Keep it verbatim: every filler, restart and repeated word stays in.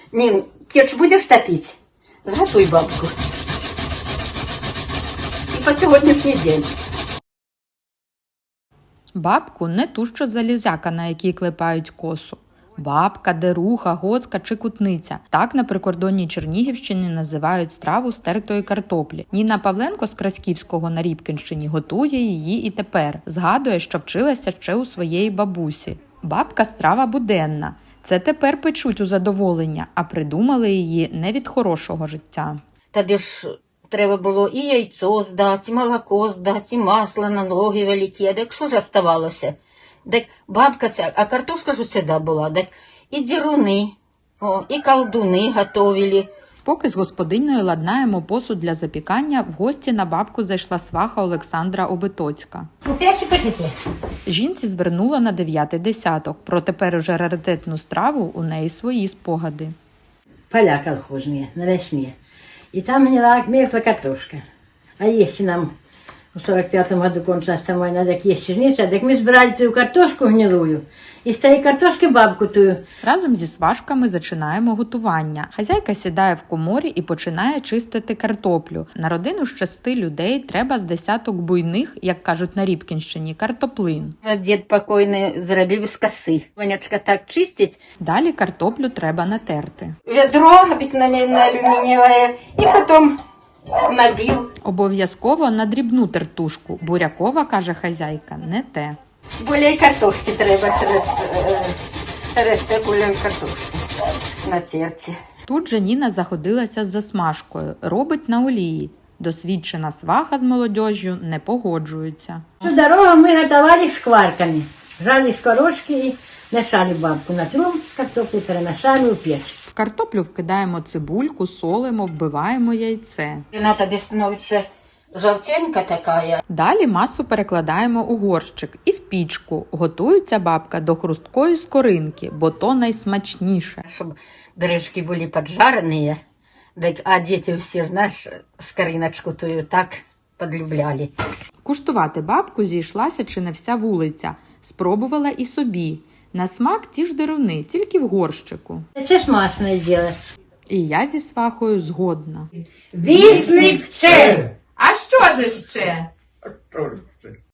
Нин, печь будешь топить? Зготуй бабку. І по сьогоднішній день. Бабку не ту, що залізяка, на якій клепають косу. Бабка, деруха, гоцка чи кутниця. Так на прикордонній Чернігівщині називають страву з тертої картоплі. Ніна Павленко з Краськівського на Рібкінщині готує її і тепер. Згадує, що вчилася ще у своєї бабусі. Бабка – страва буденна. Це тепер печуть у задоволення, а придумали її не від хорошого життя. Тоді ж треба було і яйцо здати, і молоко здати, і масло на ноги великі. А так що ж оставалося? Так бабка ця, а картошка ж усегда була. Так і діруни, о, і колдуни готовили. Поки з господинею ладнаємо посуд для запікання, в гості на бабку зайшла сваха Олександра Обитоцька. Купляйте, пишите. Жінці звернула на дев'ятий десяток. Про тепер уже раритетну страву у неї свої спогади. Поля колхозные, на весне. И там гнила мертвая картошка. А если нам в сорок пятом году кончилась там война, так есть черница, так мы сбирали ту картошку гнилую, и с той картошки бабку тую. Разом зі сважками зачинаємо готування. Хазяйка сідає в коморі і починає чистити картоплю. На родину з шести людей треба з десяток буйних, як кажуть на Рібкінщині, картоплин. Дід покойний зробив з коси. Вонячка так чистить. Далі картоплю треба натерти. Ведро обыкновенное алюминиевое. И потом набил. Обов'язково на дрібну тертушку. Бурякова, каже хазяйка, не те. Более картошки треба через, е, через таку картошку на терці. Тут же Ніна заходилася з засмажкою. Робить на олії. Досвідчена сваха з молодежжю не погоджується. Всю дорогу мы готовали шкварками. Жали скорочки и мешали бабку на трум с картоплей, перемешали у печь. В картоплю вкидаємо цибульку, солимо, вбиваємо яйце. Вона тоді становиться жовтенька така. Далі масу перекладаємо у горщик і в пічку. Готується бабка до хрусткої скоринки, бо то найсмачніше. Щоб бережки були поджарені, а діти всі, знаєш, скориночку тую так подлюбляли. Куштувати бабку зійшлася чи не вся вулиця. Спробувала і собі. На смак ті ж деруни, тільки в горщику. Это смачное дело. І я зі свахою згодна. Вісник це! А що ж ще?